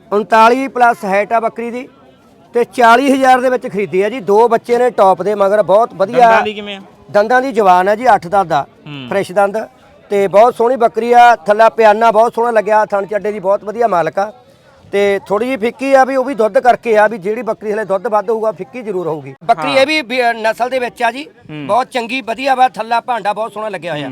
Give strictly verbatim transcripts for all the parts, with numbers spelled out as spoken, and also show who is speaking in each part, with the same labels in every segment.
Speaker 1: उनताली plus height आ बकरी दी ते चाली हज़ार दे विच खरीदी है जी। दो बच्चे ने टॉप दे मगर बहुत वधिया दंदां दी जवान है जी। अठ दंद दा फ्रैश दंद ते बहुत सोहनी बकरी आ। थल्ला पियाना बहुत सोहना लग्या, थण चड्डे दी बहुत वधिया मालक आ ते थोड़ी जी फिक्की आ भी, वो भी दुध करके आ भी जेहड़ी बकरी हले दुध वध होऊगा फिक्की जरूर होगी। बकरी ये भी नस्ल दे विच आ जी, बहुत चंगी वधिया वा। थल्ला भांडा बहुत सोहना लग्या होया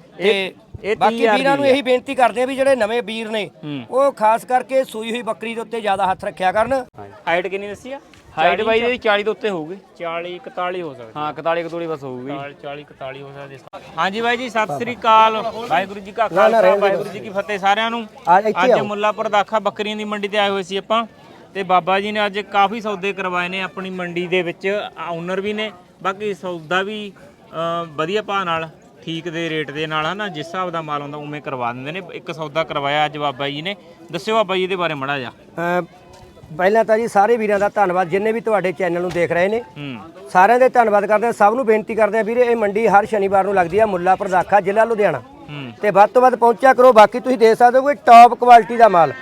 Speaker 1: ते बाकी वीरां नूं यही बेनती करदे आ भी ਜਿਹੜੇ ਨਵੇਂ ਵੀਰ ਨੇ ਉਹ ਖਾਸ ਕਰਕੇ ਸੂਈ ਹੋਈ ਬੱਕਰੀ ਦੇ ਉੱਤੇ ਜ਼ਿਆਦਾ ਹੱਥ ਰੱਖਿਆ ਕਰਨ।
Speaker 2: ਹਾਈਟ ਕਿੰਨੀ ਦੱਸੀ ਆ?
Speaker 3: ਹਾਈਟ ਬਾਈ ਦੀ ਚਾਲੀ ਤੋਂ ਉੱਤੇ ਹੋਊਗੀ।
Speaker 2: ਚਾਲੀ ਇਕਤਾਲੀ ਹੋ ਸਕਦੀ।
Speaker 3: ਹਾਂ ਇਕਤਾਲੀ ਇਕਤਾਲੀ ਬਸ ਹੋਊਗੀ।
Speaker 2: ਚਾਲੀ ਇਕਤਾਲੀ ਹੋ ਸਕਦੀ। ਹਾਂਜੀ ਬਾਈ ਜੀ ਸਤਿ ਸ੍ਰੀ ਅਕਾਲ। ਵਾਹਿਗੁਰੂ ਜੀ ਕਾ ਖਾਲਸਾ ਵਾਹਿਗੁਰੂ ਜੀ ਕੀ ਫਤਿਹ ਸਾਰਿਆਂ ਨੂੰ। ਅੱਜ ਮੁੱਲਾਪੁਰ ਦਾਖਾ ਬੱਕਰੀਆਂ ਦੀ ਮੰਡੀ ਤੇ ਆਏ ਹੋਏ ਸੀ ਆਪਾਂ ਤੇ ਬਾਬਾ ਜੀ ਨੇ ਅੱਜ ਕਾਫੀ ਸੌਦੇ ਕਰਵਾਏ ਨੇ ਆਪਣੀ ਮੰਡੀ ਦੇ ਵਿੱਚ। ਓਨਰ ਵੀ ਨੇ, ਬਾਕੀ ਸੌਦਾ ਵੀ ਵਧੀਆ ਭਾਅ ਨਾਲ ਠੀਕ ਦੇ ਰੇਟ ਦੇ ਨਾਲ ਹੈ ਨਾ, ਜਿਸ ਹਿਸਾਬ ਦਾ ਮਾਲ ਆਉਂਦਾ ਉਵੇਂ ਕਰਵਾ ਦਿੰਦੇ ਨੇ। ਇੱਕ ਸੌਦਾ ਕਰਵਾਇਆ ਅੱਜ ਬਾਬਾ ਜੀ ਨੇ, ਦੱਸਿਓ ਬਾਬਾ ਜੀ ਇਹਦੇ ਬਾਰੇ ਮਾੜਾ ਜਿਹਾ।
Speaker 1: ਪਹਿਲਾਂ ਤਾਂ ਜੀ ਸਾਰੇ ਵੀਰਾਂ ਦਾ ਧੰਨਵਾਦ ਜਿੰਨੇ ਵੀ ਤੁਹਾਡੇ ਚੈਨਲ ਨੂੰ ਦੇਖ ਰਹੇ ਨੇ, ਸਾਰਿਆਂ ਦੇ ਧੰਨਵਾਦ ਕਰਦੇ ਆ। ਸਭ ਨੂੰ ਬੇਨਤੀ ਕਰਦੇ ਆ ਵੀਰੇ, ਇਹ ਮੰਡੀ ਹਰ ਸ਼ਨੀਵਾਰ ਨੂੰ ਲੱਗਦੀ ਆ ਮੁੱਲਾਪੁਰ ਦਾਖਾ, ਜ਼ਿਲ੍ਹਾ ਲੁਧਿਆਣਾ ਤੇ ਵੱਧ ਤੋਂ ਵੱਧ ਪਹੁੰਚਿਆ ਕਰੋ। ਬਾਕੀ ਤੁਸੀਂ ਦੇਖ ਸਕਦੇ ਹੋ ਕੋਈ ਟੌਪ ਕੁਆਲਿਟੀ ਦਾ ਮਾਲ।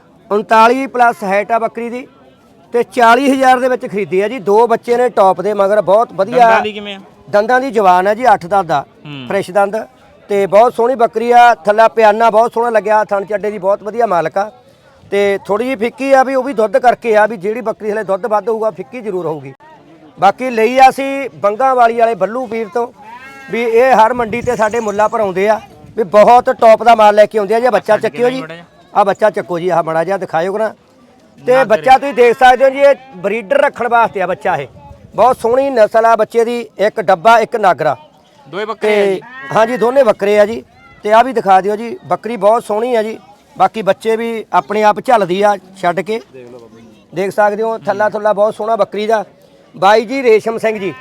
Speaker 1: ਉਨਤਾਲੀ ਪਲੱਸ ਹਾਈਟ ਆ ਬੱਕਰੀ ਦੀ ਤੇ ਚਾਲੀ ਹਜ਼ਾਰ ਦੇ ਵਿੱਚ ਖਰੀਦੀ ਹੈ ਜੀ। ਦੋ ਬੱਚੇ ਨੇ ਟੌਪ ਦੇ ਮਗਰ ਬਹੁਤ ਵਧੀਆ ਦੰਦਾਂ ਦੀ ਜਵਾਨ ਹੈ ਜੀ। ਅੱਠ ਦੰਦ ਦਾ ਫਰੈਸ਼ ਦੰਦ ਤੇ ਬਹੁਤ ਸੋਹਣੀ ਬੱਕਰੀ ਆ। ਥੱਲਾ ਪਿਆਨਾ ਬਹੁਤ ਸੋਹਣਾ ਲੱਗਿਆ, ਥਣ ਚੱਡੇ ਦੀ ਬਹੁਤ ਵਧੀਆ ਮਾਲਕ ਆ ਤੇ ਥੋੜੀ ਜਿਹੀ ਫਿੱਕੀ ਆ ਵੀ, ਉਹ ਵੀ ਦੁੱਧ ਕਰਕੇ ਆ ਵੀ ਜਿਹੜੀ ਬੱਕਰੀ ਹਲੇ ਦੁੱਧ ਵੱਧ ਹੋਊਗਾ ਫਿੱਕੀ ਜ਼ਰੂਰ ਹੋਊਗੀ। ਬਾਕੀ ਲਈ ਆ ਅਸੀਂ ਬੰਗਾ ਵਾਲੀ ਵਾਲੇ ਬੱਲੂ ਵੀਰ ਤੋਂ ਵੀ ਇਹ ਹਰ ਮੰਡੀ ਤੇ ਸਾਡੇ ਮੁੱਲਾਪੁਰ ਆਉਂਦੇ ਆ ਵੀ ਬਹੁਤ ਟੌਪ ਦਾ ਮਾਲ ਲੈ ਕੇ ਆਉਂਦੇ ਆ ਜੀ। ਬੱਚਾ ਚੱਕਿਓ ਜੀ, ਆ ਬੱਚਾ ਚੱਕੋ ਜੀ, ਆਹ ਮਾੜਾ ਜਿਹਾ ਦਿਖਾਇਓ ਕਰਾਂ ਤੇ ਬੱਚਾ ਤੁਸੀਂ ਦੇਖ ਸਕਦੇ ਹੋ ਜੀ। ਇਹ ਬਰੀਡਰ ਰੱਖਣ ਵਾਸਤੇ ਆ ਬੱਚਾ, ਇਹ ਬਹੁਤ ਸੋਹਣੀ ਨਸਲ ਆ ਬੱਚੇ ਦੀ। ਇੱਕ ਡੱਬਾ ਇੱਕ ਨਾਗਰਾ
Speaker 2: ਦੋਏ ਬੱਕਰੇ
Speaker 1: ਹਾਂਜੀ ਦੋਨੇ ਬੱਕਰੇ ਆ ਜੀ। ਤੇ ਆ ਵੀ ਦਿਖਾ ਦਿਓ ਜੀ, ਬੱਕਰੀ ਬਹੁਤ ਸੋਹਣੀ ਆ ਜੀ। ਬਾਕੀ ਬੱਚੇ ਵੀ ਆਪਣੇ ਆਪ ਝੱਲਦੀ ਆ ਛੱਡ ਕੇ, ਦੇਖ ਸਕਦੇ ਹੋ। ਥੱਲਾ ਥੱਲਾ ਬਹੁਤ ਸੋਹਣਾ ਬੱਕਰੀ ਦਾ। ਬਾਈ ਜੀ ਰੇਸ਼ਮ ਸਿੰਘ ਜੀ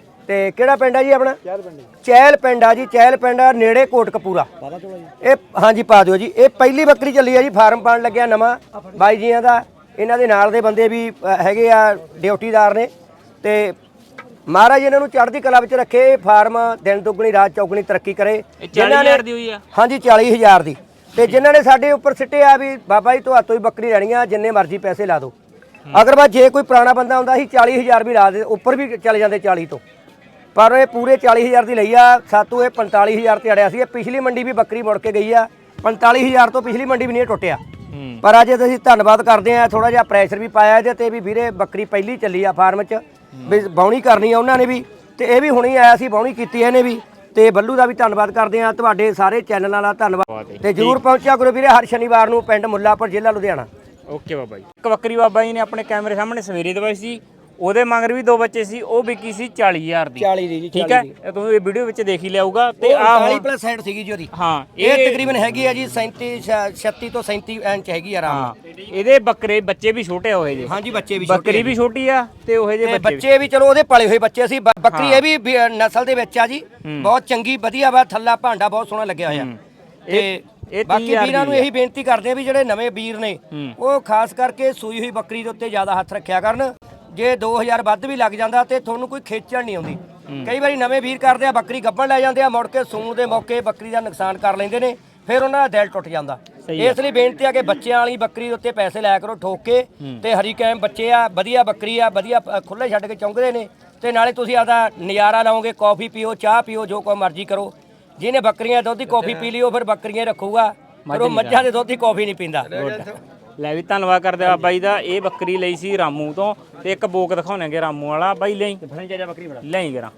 Speaker 1: ਤੇ ਕਿਹੜਾ ਪਿੰਡ ਆ ਜੀ ਆਪਣਾ? ਚਹਿਲ ਪਿੰਡ ਆ ਜੀ। ਚਹਿਲ ਪਿੰਡ ਆ ਨੇੜੇ ਕੋਟਕਪੂਰਾ। ਇਹ ਹਾਂਜੀ ਪਾ ਦਿਓ ਜੀ। ਇਹ ਪਹਿਲੀ ਬੱਕਰੀ ਚੱਲੀ ਆ ਜੀ, ਫਾਰਮ ਪਾਣ ਲੱਗਿਆ ਨਵਾਂ ਬਾਈ ਜੀਆਂ ਦਾ। ਇਹਨਾਂ ਦੇ ਨਾਲ ਦੇ ਬੰਦੇ ਵੀ ਹੈਗੇ ਆ, ਡਿਊਟੀਦਾਰ ਨੇ ਤੇ ਮਹਾਰਾਜ ਇਹਨਾਂ ਨੂੰ ਚੜ੍ਹਦੀ ਕਲਾ ਵਿੱਚ ਰੱਖੇ। ਫਾਰਮ ਦਿਨ ਦੁੱਗਣੀ ਰਾਤ ਚੌਗਣੀ ਤਰੱਕੀ ਕਰੇ।
Speaker 2: ਜਿਨ੍ਹਾਂ ਨੇ ਦੀ ਹੋਈ ਆ
Speaker 1: ਹਾਂਜੀ ਚਾਲੀ ਹਜ਼ਾਰ ਦੀ ਤੇ ਜਿਨ੍ਹਾਂ ਨੇ ਸਾਡੇ ਉੱਪਰ ਸਿੱਟਿਆ ਵੀ ਬਾਬਾ ਜੀ ਤੁਹਾਤੋਂ ਹੀ ਬੱਕਰੀ ਲੈਣੀ ਆ, ਜਿੰਨੇ ਮਰਜ਼ੀ ਪੈਸੇ ਲਾ ਦਿਓ। ਅਗਰ ਬਾ ਜੇ ਕੋਈ ਪੁਰਾਣਾ ਬੰਦਾ ਹੁੰਦਾ ਸੀ ਚਾਲੀ ਹਜ਼ਾਰ ਵੀ ਲਾ ਦੇ, ਉੱਪਰ ਵੀ ਚਲੇ ਜਾਂਦੇ ਚਾਲੀ ਤੋਂ, ਪਰ ਇਹ ਪੂਰੇ ਚਾਲੀ ਹਜ਼ਾਰ ਦੀ ਲਈ ਆ। ਸਾਤੋਂ ਇਹ ਪੰਤਾਲੀ ਹਜ਼ਾਰ ਤੇ ਅੜਿਆ ਸੀ। ਇਹ ਪਿਛਲੀ ਮੰਡੀ ਵੀ ਬੱਕਰੀ ਮੁੜ ਕੇ ਗਈ ਆ। ਪੰਤਾਲੀ ਹਜ਼ਾਰ ਤੋਂ ਪਿਛਲੀ ਮੰਡੀ ਵੀ ਨਹੀਂ ਟੁੱਟਿਆ। ਪਰ ਅੱਜ ਅਸੀਂ ਧੰਨਵਾਦ ਕਰਦੇ ਆ, ਥੋੜਾ ਜਿਹਾ ਪ੍ਰੈਸ਼ਰ ਵੀ ਪਾਇਆ ਇਹਦੇ ਤੇ ਵੀ ਵੀਰੇ ਬੱਕਰੀ ਪਹਿਲੀ ਚੱਲੀ ਆ ਫਾਰਮ 'ਚ ਵੀ ਬਾਉਣੀ ਕਰਨੀ ਆ ਉਹਨਾਂ ਨੇ ਵੀ, ਤੇ ਇਹ ਵੀ ਹੁਣੇ ਆਇਆ ਸੀ ਬਾਉਣੀ ਕੀਤੀ ਇਹਨੇ ਵੀ। ਤੇ ਬੱਲੂ ਦਾ ਵੀ ਧੰਨਵਾਦ ਕਰਦੇ ਆ, ਤੁਹਾਡੇ ਸਾਰੇ ਚੈਨਲਾਂ ਦਾ ਧੰਨਵਾਦ ਤੇ ਜਰੂਰ ਪਹੁੰਚਿਆ ਕਰੋ ਵੀਰੇ ਹਰ ਸ਼ਨੀਵਾਰ ਨੂੰ ਪਿੰਡ ਮੁੱਲਾਪੁਰ ਜ਼ਿਲ੍ਹਾ ਲੁਧਿਆਣਾ।
Speaker 2: ਓਕੇ ਬਾਬਾ ਜੀ। ਇੱਕ ਬੱਕਰੀ ਬਾਬਾ ਜੀ ਨੇ ਆਪਣੇ ਕੈਮਰੇ ਸਾਹਮਣੇ ਸਵੇਰੇ ਦਵਾਈ ਸੀ, ਉਹਦੇ ਮਗਰ ਵੀ ਦੋ ਬੱਚੇ ਸੀ, ਉਹ ਵਿਕੀ ਸੀ ਚਾਲੀ ਹਜ਼ਾਰ ਦੀ।
Speaker 1: ਚਾਲੀ ਦੀ ਜੀ,
Speaker 2: ਠੀਕ ਹੈ, ਤੁਸੀਂ ਇਹ ਵੀਡੀਓ ਵਿੱਚ ਦੇਖ ਹੀ ਲਿਆਊਗਾ। ਤੇ ਆ
Speaker 1: ਚਾਲੀ ਪਲੱਸ ਸਾਈਡ ਸੀਗੀ ਜੀ ਉਹਦੀ।
Speaker 2: ਹਾਂ
Speaker 1: ਇਹ ਤਕਰੀਬਨ ਹੈਗੀ ਆ ਜੀ ਸੈਂਤੀ ਛੱਤੀ ਤੋਂ ਸੈਂਤੀ ਇੰਚ ਹੈਗੀ ਆ ਆਰਾਮ ਨਾਲ।
Speaker 2: ਇਹਦੇ ਬੱਕਰੇ ਬੱਚੇ ਵੀ ਛੋਟੇ ਹੋਏ ਜੀ।
Speaker 1: ਹਾਂਜੀ ਬੱਚੇ ਵੀ
Speaker 2: ਬੱਕਰੀ ਵੀ ਛੋਟੀ ਆ ਤੇ ਉਹ ਜਿਹੇ
Speaker 1: ਬੱਚੇ ਵੀ ਚਲੋ ਉਹਦੇ ਪਲੇ ਹੋਏ ਬੱਚੇ ਸੀ। ਬੱਕਰੀ ਇਹ ਵੀ ਨਸਲ ਦੇ ਵਿੱਚ ਆ ਜੀ, ਬਹੁਤ ਚੰਗੀ ਵਧੀਆ ਵਾ। ਥੱਲਾ ਭਾਂਡਾ ਬਹੁਤ ਸੋਹਣਾ ਲੱਗਿਆ ਹੋਇਆ ਤੇ ਬਾਕੀ ਵੀਰਾਂ ਨੂੰ ਇਹੀ ਬੇਨਤੀ ਕਰਦੇ ਆ ਵੀ ਜਿਹੜੇ ਨਵੇਂ ਵੀਰ ਨੇ ਉਹ ਖਾਸ ਕਰਕੇ ਸੂਈ ਹੋਈ ਬੱਕਰੀ ਦੇ ਉੱਤੇ ਜ਼ਿਆਦਾ ਹੱਥ ਰੱਖਿਆ ਕਰਨ। ਜੇ ਦੋ ਹਜ਼ਾਰ ਵੱਧ ਵੀ ਲੱਗ ਜਾਂਦਾ ਤੇ ਤੁਹਾਨੂੰ ਕੋਈ ਖੇਚਣ ਨਹੀਂ ਆਉਂਦੀ। ਕਈ ਵਾਰੀ ਨਵੇਂ ਵੀਰ ਕਰਦੇ ਆ ਬੱਕਰੀ ਗੱਭਣ ਲੈ ਜਾਂਦੇ ਆ, ਮੁੜ ਕੇ ਸੂਣ ਦੇ ਮੌਕੇ ਬੱਕਰੀ ਦਾ ਨੁਕਸਾਨ ਕਰ ਲੈਂਦੇ ਨੇ, ਫਿਰ ਉਹਨਾਂ ਦਾ ਦਿਲ ਟੁੱਟ ਜਾਂਦਾ। ਇਸ ਲਈ ਬੇਨਤੀ ਆ ਕਿ ਬੱਚਿਆਂ ਵਾਲੀ ਬੱਕਰੀ ਦੇ ਉੱਤੇ ਪੈਸੇ ਲਾਇਆ ਕਰੋ ਠੋਕ ਕੇ। ਤੇ ਹਰੀ ਕੈਮ ਬੱਚੇ ਆ, ਵਧੀਆ ਬੱਕਰੀ ਆ, ਵਧੀਆ ਖੁੱਲੇ ਛੱਡ ਕੇ ਚੌਂਕਦੇ ਨੇ ਤੇ ਨਾਲੇ ਤੁਸੀਂ ਆਪਦਾ ਨਜ਼ਾਰਾ ਲਾਓਗੇ। ਕੌਫੀ ਪੀਓ, ਚਾਹ ਪੀਓ, ਜੋ ਕੋਈ ਮਰਜ਼ੀ ਕਰੋ। ਜਿਹਨੇ ਬੱਕਰੀਆਂ ਦੁੱਧ ਦੀ ਕੌਫੀ ਪੀ ਲਈ ਉਹ ਫਿਰ ਬੱਕਰੀਆਂ ਰੱਖੂਗਾ, ਪਰ ਉਹ ਮੱਝਾਂ ਦੇ ਦੁੱਧ ਦੀ ਕੌਫੀ ਨਹੀਂ ਪੀਂਦਾ।
Speaker 2: ਲੈ ਵੀ ਧੰਨਵਾਦ ਕਰਦੇ ਆ ਬਾਈ ਦਾ। ਇਹ ਬੱਕਰੀ ਲਈ ਸੀ ਰਾਮੂ ਤੋਂ ਤੇ ਇੱਕ ਬੋਕ ਦਿਖਾਉਣਗੇ ਰਾਮੂ ਵਾਲਾ। ਬਾਈ ਲਈ ਲਈ ਕਰਾਂ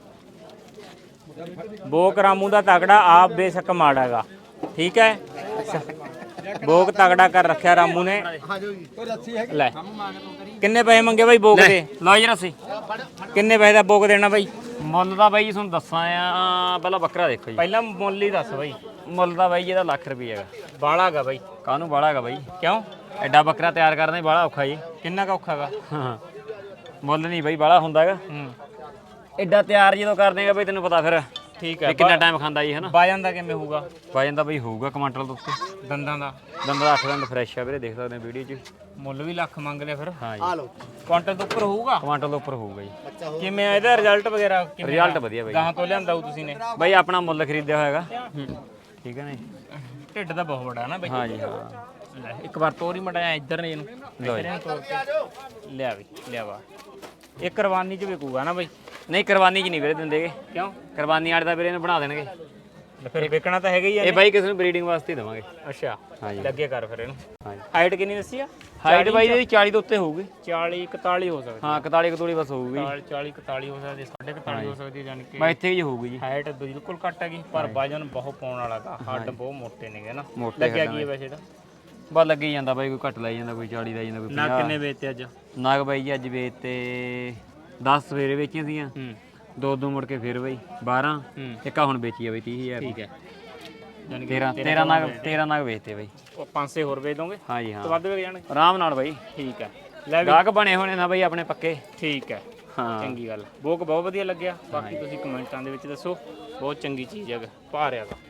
Speaker 2: ਬੋਕ ਰਾਮੂ ਦਾ ਤਗੜਾ, ਆਪ ਬੇਸ਼ੱਕ ਮਾੜਾ ਹੈਗਾ। ਠੀਕ ਹੈ, ਬੋਕ ਤਗੜਾ ਕਰ ਰੱਖਿਆ ਰਾਮੂ ਨੇ। ਲੈ ਕਿੰਨੇ ਪੈਸੇ ਮੰਗੇ ਬਾਈ ਬੋਕ ਦੇ? ਲਓ ਜੀ ਰੱਸੀ। ਕਿੰਨੇ ਪੈਸੇ ਦਾ ਬੋਕ ਦੇਣਾ ਬਾਈ?
Speaker 3: ਮੁੱਲ ਦਾ ਬਾਈ ਜੀ ਤੁਹਾਨੂੰ ਦੱਸਾਂ ਆ, ਪਹਿਲਾਂ ਬੱਕਰਾ ਦੇਖੋ ਜੀ।
Speaker 2: ਪਹਿਲਾਂ ਮੁੱਲ ਹੀ ਦੱਸ ਬਾਈ।
Speaker 3: ਮੁੱਲ ਦਾ ਬਾਈ ਇਹਦਾ ਲੱਖ ਰੁਪਏ ਹੈਗਾ।
Speaker 2: ਬਾਲਾ ਹੈਗਾ ਬਾਈ?
Speaker 3: ਕਾਹਨੂੰ ਬਾਲਾ ਹੈਗਾ ਬਾਈ,
Speaker 2: ਕਿਉਂ?
Speaker 3: ਐਡਾ ਬੱਕਰਾ ਤਿਆਰ ਕਰਨਾ ਹੀ ਬਾਲਾ ਔਖਾ ਜੀ।
Speaker 2: ਕਿੰਨਾ ਕੁ ਔਖਾ ਹੈਗਾ?
Speaker 3: ਹਾਂ ਮੁੱਲ ਨਹੀਂ ਬਾਈ ਬਾਲਾ ਹੁੰਦਾ ਹੈਗਾ।
Speaker 2: ਹੂੰ
Speaker 3: ਐਡਾ ਤਿਆਰ ਜਦੋਂ ਕਰ ਦੇਗਾ ਬਾਈ ਤੈਨੂੰ ਪਤਾ ਫਿਰ
Speaker 2: ਠੀਕ ਹੈ
Speaker 3: ਕਿੰਨਾ ਟਾਈਮ ਖਾਂਦਾ ਜੀ, ਹੈ ਨਾ।
Speaker 2: ਵਜਨ ਦਾ ਕਿਵੇਂ ਹੋਊਗਾ?
Speaker 3: ਵਜਨ ਦਾ ਬਾਈ ਹੋਊਗਾ ਕੁਆਂਟਲ ਤੋਂ ਉੱਤੇ।
Speaker 2: ਦੰਦਾਂ ਦਾ?
Speaker 3: ਦੰਦਾਂ ਦਾ ਅੱਠ ਦੰਦ ਫਰੈਸ਼ ਆ ਵੀਰੇ, ਦੇਖ ਸਕਦੇ ਹੋ ਵੀਡੀਓ 'ਚ।
Speaker 2: ਮੁੱਲ ਵੀ ਲੱਖ ਮੰਗ ਲਿਆ ਫਿਰ?
Speaker 3: ਹਾਂ ਜੀ।
Speaker 2: ਕੁਆਂਟਲ ਤੋਂ ਉੱਪਰ ਹੋਊਗਾ?
Speaker 3: ਕੁਆਂਟਲ ਤੋਂ ਉੱਪਰ ਹੋਊਗਾ ਜੀ।
Speaker 2: ਕਿਵੇਂ ਆ ਇਹਦਾ ਰਿਜ਼ਲਟ ਵਗੈਰਾ?
Speaker 3: ਰਿਜ਼ਲਟ ਵਧੀਆ ਬਾਈ।
Speaker 2: ਗਾਹਾਂ ਤੋਂ ਲਿਆਂਦਾ ਹੋ ਤੁਸੀਂ ਨੇ?
Speaker 3: ਬਾਈ ਆਪਣਾ ਮੁੱਲ ਖਰੀਦਿਆ ਹੋਇਆ ਹੈਗਾ। ਠੀਕ ਹੈ ਨਾ ਜੀ।
Speaker 2: ਢਿੱਡ ਦਾ ਬਹੁਤ ਵੱਡਾ ਨਾ ਬਾਈ।
Speaker 3: ਹਾਂ ਜੀ ਹਾਂ।
Speaker 2: ਲੈ ਇੱਕ ਵਾਰ ਤੋਰੀ ਮਟਾਇਆ ਇੱਧਰ ਨੇ ਇਹਨੂੰ ਇੱਧਰ ਇਹਨੂੰ ਤੋਰ ਕੇ ਲਿਆ ਵੀ ਲਿਆ ਵਾ ਇਹ ਕੁਰਬਾਨੀ ਚ ਵਿਕੂਗਾ ਨਾ ਬਾਈ
Speaker 3: ਨਹੀਂ ਕੁਰਬਾਨੀ 'ਚ ਨਹੀਂ ਵੀਰੇ ਦਿੰਦੇਗੇ
Speaker 2: ਕਿਉਂ
Speaker 3: ਕੁਰਬਾਨੀ ਵਾਲੇ ਤਾਂ ਵੀਰੇ ਇਹਨੂੰ ਬਣਾ ਦੇਣਗੇ
Speaker 2: ਫਿਰ ਵਿਕਣਾ ਤਾਂ ਹੈਗਾ ਹੀ ਆ
Speaker 3: ਇਹ ਬਾਈ ਕਿਸੇ ਨੂੰ ਬਰੀਡਿੰਗ ਵਾਸਤੇ ਹੀ ਦੇਵਾਂਗੇ
Speaker 2: ਅੱਛਾ
Speaker 3: ਹਾਂਜੀ
Speaker 2: ਲੱਗੇ ਕਰ ਫਿਰ ਇਹਨੂੰ
Speaker 3: ਹਾਂਜੀ
Speaker 2: ਹਾਈਟ ਕਿੰਨੀ ਦੱਸੀ ਆ
Speaker 3: ਹਾਈਟ ਬਾਈ ਇਹਦੀ ਚਾਲੀ ਤੋਂ ਉੱਤੇ ਹੋਊਗੀ
Speaker 2: ਚਾਲੀ ਇਕਤਾਲੀ ਹੋ ਸਕਦੀ
Speaker 3: ਹਾਂ ਇਕਤਾਲੀ ਇਕਤਾਲੀ ਬਸ ਹੋਊਗੀ
Speaker 2: ਚਾਲੀ ਇਕਤਾਲੀ ਹੋ ਸਕਦੀ ਸਾਢੇ ਇਕਤਾਲੀ ਹੋ ਸਕਦੀ ਯਾਨੀ ਕਿ
Speaker 3: ਬਾਈ ਇੱਥੇ ਹੀ ਹੋਊਗੀ ਜੀ
Speaker 2: ਹਾਈਟ ਬਿਲਕੁਲ ਘੱਟ ਹੈਗੀ ਪਰ ਵਜਨ ਬਹੁਤ ਪਾਉਣ ਵਾਲਾ ਗਾ ਹੱਡ ਬਹੁਤ ਮੋਟੇ ਨੇਗੇ ਨਾ
Speaker 3: ਮੋਟੇ
Speaker 2: ਲੱਗਿਆ ਕੀ ਹੈ ਵੈਸੇ ਤਾਂ
Speaker 3: ਬਸ ਲੱਗੀ ਜਾਂਦਾ ਬਾਈ ਕੋਈ ਘੱਟ ਲਾਈ ਜਾਂਦਾ ਕੋਈ ਚਾਲੀ ਦਾ ਜਾਂਦਾ ਕੋਈ
Speaker 2: ਨਾ ਕਿੰਨੇ ਵੇਚਤੇ ਅੱਜ
Speaker 3: ਨਾਗ ਬਾਈ ਜੀ ਅੱਜ ਵੇਚ ਤੇ ਦਸ ਸਵੇਰੇ ਵੇਚੀਆਂ ਸੀਗੀਆਂ
Speaker 2: ਹੂੰ
Speaker 3: ਦੋ ਦੋ ਮੁੜ ਕੇ ਫਿਰ ਬਾਈ ਬਾਰਾਂ ਇੱਕ ਆ ਹੁਣ ਵੇਚੀ ਆ ਬਾਈ ਤੀਹ ਹਜ਼ਾਰ
Speaker 2: ਠੀਕ ਹੈ ਯਾਨੀ ਕਿ
Speaker 3: ਤੇਰਾਂ ਤੇਰਾਂ ਨਾਗ ਤੇਰਾਂ ਨਾਗ ਵੇਚਤੇ ਬਾਈ
Speaker 2: ਉਹ ਪੰਜ ਛੇ ਹੋਰ ਵੇਚ ਦੋਗੇ
Speaker 3: ਹਾਂਜੀ
Speaker 2: ਤੋਂ
Speaker 3: ਹਾਂ
Speaker 2: ਵੱਧ ਵਿਕ ਜਾਣਗੇ
Speaker 3: ਆਰਾਮ ਨਾਲ ਬਾਈ
Speaker 2: ਠੀਕ ਹੈ ਲੈ ਵੀ
Speaker 3: ਗਾਹਕ ਬਣੇ ਹੋਣੇ ਨਾ ਬਾਈ ਆਪਣੇ ਪੱਕੇ
Speaker 2: ਠੀਕ ਹੈ
Speaker 3: ਹਾਂ
Speaker 2: ਚੰਗੀ ਗੱਲ ਬੋਕ ਬਹੁਤ ਵਧੀਆ ਲੱਗਿਆ ਬਾਕੀ ਤੁਸੀਂ ਕਮੈਂਟਾਂ ਦੇ ਵਿੱਚ ਦੱਸੋ ਬਹੁਤ ਚੰਗੀ ਚੀਜ਼ ਹੈ ਭਾਰਿਆ ਦਾ